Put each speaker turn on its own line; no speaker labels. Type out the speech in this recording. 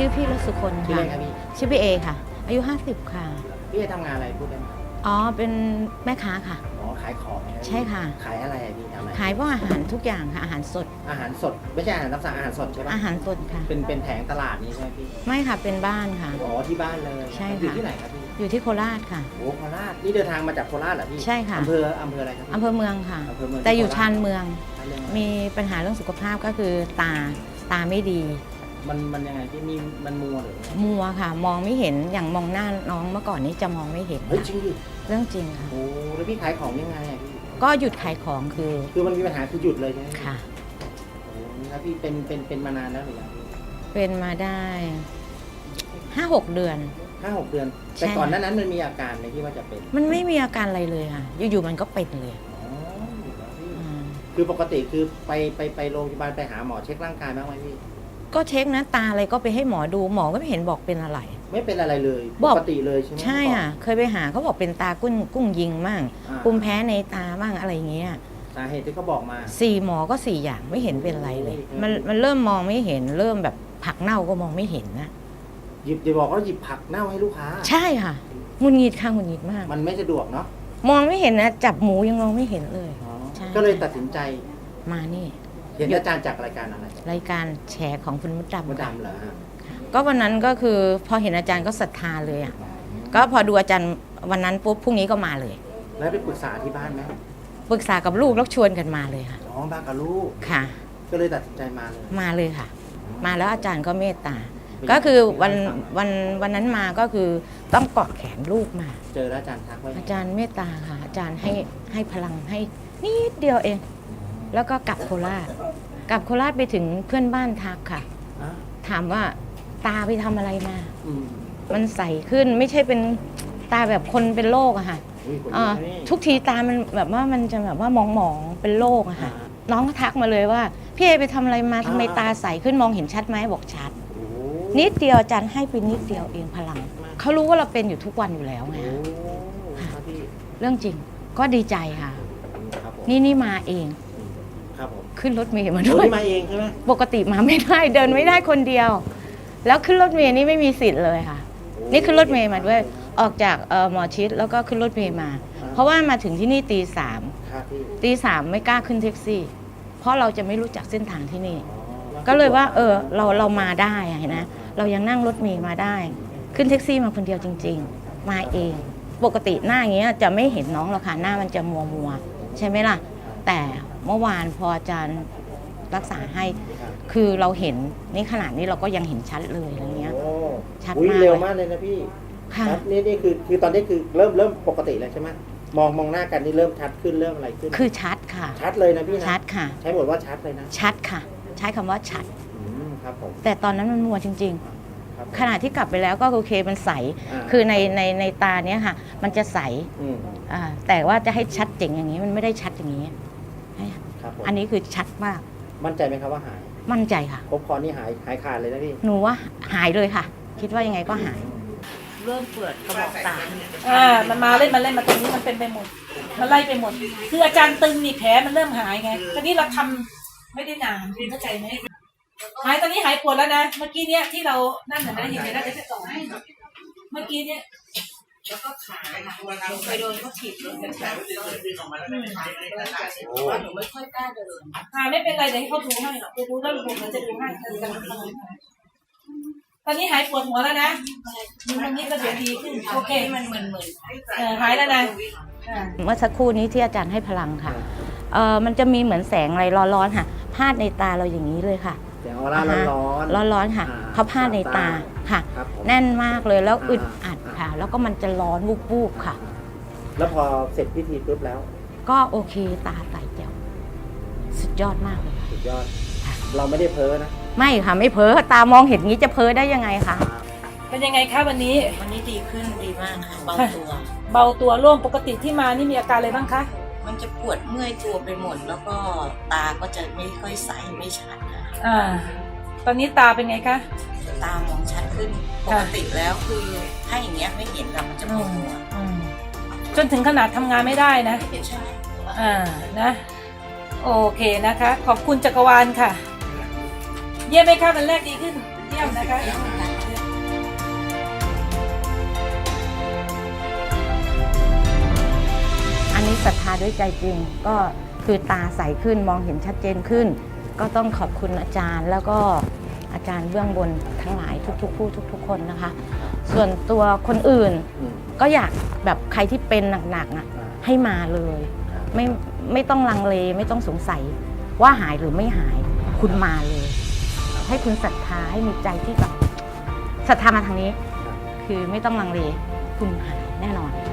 ชื่อพี่รสุคน
ชื่อ
ค่ะ
อะไรครับพี่
ชื่อพี่เอค่ะ อายุ50ค่ะ
พี่ทำงานอะไรพูดได้ไหม
อ๋อเป็นแม่ค้าค่ะ
อ๋อขายของนะ
ใช่ค่ะ
ขายอะไรอะพี่ทำอะไร
ขายพวกอาหารทุกอย่างค่ะอาหารสด
อาหารสดไม่ใช่อาหารตามสั่งอาหารสดใช่ปะ
อาหารสดค่ะ
เป็นแผงตลาดนี้ใช่ไหมพี่
ไม่ค่ะเป็นบ้านค่ะ
อ๋อที่บ้านเลย
ใช่ค่ะ
อยู่ที่ไหนครับพี่
อยู่ที่โคราชค่ะ
โอ้โคราชนี่เดินทางมาจากโคราชเหรอพี่
ใช่ค่ะ
อำเภออะไรครับพี่
อำเภอเมืองค่ะ
อำเภอเมือง
แต่อยู่
ที่โคร
ชานเมือง
ชานเมือง
มีปัญหาเรื่องสุขภาพก็คือตาไม่ดี
มันยังไงพี่มีมันมัวหรือไง
มัวค่ะ มองไม่เห็นอย่างมองหน้าน้องเมื่อก่อนนี้จะมองไม่เห็น
เฮ้ย
ค่ะ
จริงดิ
เรื่องจริงค่ะ
โอ้แล้วพี่ขายของยังไงอะพี่
ก็หยุดขายของคือ
คือมันมีปัญหาคือหยุดเลยใช่ไหม
ค่ะ
โอ้แล้วพี่เป็นมานานแล้วหรือยังพี่
เป็นมาได้5-6 เดือน
5-6 เดือน
ใช่
แต่ก่อนหน้านั้นมันมีอาการไหมที่ว่าจะเป็น
มันไม่มีอาการอะไรเลยค่ะ อยู่ๆมันก็เป็นเลย
อ๋ออยู่แล้วพี่
อ่า
คือปกติคือไปโรงพยาบาลไปหาหมอเช็คร่างกายบ้างไหมพี่
ก็เช็คนะตาอะไรก็ไปให้หมอดูหมอก็ไม่เห็นบอกเป็นอะไร
ไม่เป็นอะไรเลย
บ
ป
อก
กติเลยใช่ไหม
ใช่ค่ะ เคยไปหาเขาบอกเป็นตากุ้งยิงมั่ง
อ่า
ภูมิแพ้ในตาบ้างอะไรอย่างเงี้ย
สาเหตุที่เขาบอกมา
4 หมอก็ 4 อย่างไม่เห็นเป็นอะไรเลย
โอ้ย
มันเริ่มมองไม่เห็น เริ่มแบบผักเน่าก็มองไม่เห็นนะ
อย่าบอกว่าหยิบผักเน่าให้ลูกค้า
ใช่ค่ะหงุดหงิดค่ะหงุดหงิดมาก
มันไม่สะดวกเนาะ
มองไม่เห็นนะจับหมูยังมองไม่เห็นเลย
อ๋อ
ใช่
ก็เลยตัดสินใจ
มานี่
เห็นอาจารย์จากรายการอะไร
รายการแฉของคุณมด
มด
ดำค่ะ
ดำเหรอฮะ
ก็วันนั้นก็คือพอเห็นอาจารย์ก็ศรัทธาเลยอ่ะก็พอดูอาจารย์วันนั้นปุ๊บพรุ่งนี้ก็มาเลย
แล้วไปปรึกษาที่บ้านไหม
ปรึกษากับลูกแล้วชวนกันมาเลยค่ะ
น้องบ้านกับลูก
ค่ะ
ก็เลยตัดสินใจมาเลย
มาเลยค่ะ มาแล้วอาจารย์ก็เมตตา
เป็น
ก็คือ
ยังไง
วันนั้นมาก็คือต้องเกาะแขนลูกมา
เจอแล้วอาจารย์ทักไว้
อาจารย์เมตตาค่ะ อาจารย์ให้พลังให้นิดเดียวเอง แล้วก็กลับโคราชกลับโคราชไปถึงเพื่อนบ้านทักค่ะ
อ่ะ
ถามว่าตาไปทำอะไรมา
อืม
มันใสขึ้นไม่ใช่เป็นตาแบบคนเป็นโรคอะค่ะ
อุ้ยคน
อ่า
นี้
ทุกทีตามันแบบว่ามันจะแบบว่ามองเป็นโรคอะค่ะ น้องก็ทักมาเลยว่าพี่เอไปทำอะไรมาทำไมตาใสขึ้นมองเห็นชัดไหมบอกชัด
โอ้
นิดเดียวอาจารย์ให้ไปนิดเดียวเองพลังเขารู้ว่าเราเป็นอยู่ทุกวันอยู่แล้วไง
โอ้ครับพี่
เรื่องจริงก็ดีใจค่ะ
ครับผม
นี่มาเอง
ครับผม
ขึ้นรถเมล์มา
โอ้
ด้วย
นี่มาเองใช่ไหม
ปกติมาไม่ได้เดินไม่ได้คนเดียว แล้วขึ้นรถเมล์นี่ไม่มีสิทธิ์เลยค่ะ นี่ขึ้นรถเมล์มาด้วยออกจากหมอชิดแล้วก็ขึ้นรถเมล์มา เพราะว่ามาถึงที่นี่ตี 3
ครับพี่
ตี 3ไม่กล้าขึ้นแท็กซี่ เพราะเราจะไม่รู้จักเส้นทางที่นี่
อ๋อ
ก็เลยว่าเรามาได้อะเห็นนะเรายังนั่งรถเมล์มาได้ ขึ้นแท็กซี่มาคนเดียวจริง ๆ มาเอง ปกติหน้าอย่างเงี้ยจะไม่เห็นน้องหรอกค่ะหน้ามันจะมัวใช่ไหมล่ะ แต่เมื่อวานพออาจารย์รักษาให้
ครับ
คือเราเห็นนี่ขนาดนี้เราก็ยังเห็นชัดเลยอะไรเงี้ย
โอ้
ชัด
อุ๊ย
มาก
เร็วมากเลยนะพี่
ค่ะ
ครับนี่คือตอนนี้คือเริ่มปกติแล้วใช่ไหมมองหน้ากันนี่เริ่มชัดขึ้นเริ่มอะไรขึ้น
คือชัดค่ะ
ชัดเลยนะพี่นะ
ชัดค่ะ
ใช้หมดว่าชัดเลยนะ
ชัดค่ะ ใช้คำว่าชัด
ครับผม
แต่ตอนนั้นมันมัวจริง
ครับผม
ๆ ขณะที่กลับไปแล้วก็โอเคมันใส
า
คือในตาเนี้ยค่ะ มันจะใส
อืม
แต่ว่าจะให้ชัดเจ๋งอย่างนี้มันไม่ได้ชัดอย่างนี้
ครับผม
อันนี้คือชัดมาก
มั่นใจไหมครับว่าหาย
มั่นใจค่ะ
ครบคอนี่หายขาดเลยนะพี่
หนูว่าหายเลยค่ะ คิดว่ายังไงก็หาย เริ่มเปิดกระบอกตา
มันมาเล่นมาตรงนี้มันเป็นไปหมด มันไล่ไปหมด คืออาจารย์ตึงนี่แผลมันเริ่มหายไง ตอนนี้เราทำไม่ได้นานคุณเข้าใจไหมหายตอนนี้หายปวดแล้วนะ เมื่อกี้เนี้ยที่เรานั่นน่ะนะเห็นไหมนะเดี๋ยวจะต่อให้เมื่อกี้เนี้ย
แล้วก็ขาไปโดนเขาถีบเลยหนูไม่ค่อยกล้าเดิน
ไม่เป็นไรเดี๋ยวให้เขาดูให้หรอกดูแล้วผมจะดูให้ตอนนี้หายปวดหัวแล้วนะตอนนี้ก็เดี๋ยวดีขึ้นโอเค
มันเหมือน
หายแล้วนะ
เมื่อสักครู่นี้ที่อาจารย์ให้พลังค่ะมันจะมีเหมือนแสงอะไรร้อนๆค่ะพาดในตาเราอย่างนี้เลยค่ะ
เสียงออร่าร้อน
ร้อนๆค่ะ
อ่า
เขาพาดในตาค่ะ
ครับผม
แน่นมากเลยแล้ว
อ่า
อึดอัดค่ะ แล้วก็มันจะร้อนวูบๆค่ะ
แล้วพอเสร็จพิธีปุ๊บแล้ว
ก็โอเคตาใสแจ๋วสุดยอดมากเลยค่ะ
สุดยอด เราไม่ได้เพ้อนะ
ไม่ค่ะไม่เพ้อตามองเห็นงี้จะเพ้อได้ยังไงคะ
เป็นยังไงคะวันนี้
วันนี้ดีขึ้นดีมากค่ะเบาตัว
เบาตัวโล่งปกติที่มานี่มีอาการอะไรบ้างคะ
มันจะปวดเมื่อยตัวไปหมด แล้วก็ตาก็จะไม่ค่อยใสไม่ชัดค่ะ
ตอนนี้ตาเป็นไงคะ
ตามองชัดขึ้นป
ค่ะ
กติแล้วคือถ้าอย่างเงี้ยไม่เห็นค่ะมันจะปวดหัว
จนถึงขนาดทำงานไม่ได้นะ
ใช่
นะ โอเคนะคะ ขอบคุณจักรวาลค่ะ เยี่ยมไหมคะวันแรกดีขึ้น เยี่ยมนะคะ
นนี้ศรัทธาด้วยใจจริงก็คือตาใสขึ้นมองเห็นชัดเจนขึ้น ก็ต้องขอบคุณอาจารย์แล้วก็อาจารย์เบื้องบนทั้งหลายทุกๆผู้ทุกๆคนนะคะ ส่วนตัวคนอื่น
อืม
ก็อยากแบบใครที่เป็นหนักๆอ่ะให้มาเลย ไม่ต้องลังเลไม่ต้องสงสัยว่าหายหรือไม่หายคุณมาเลย ให้คุณศรัทธาให้มีใจที่แบบศรัทธามาทางนี้ คือไม่ต้องลังเลคุณหายแน่นอน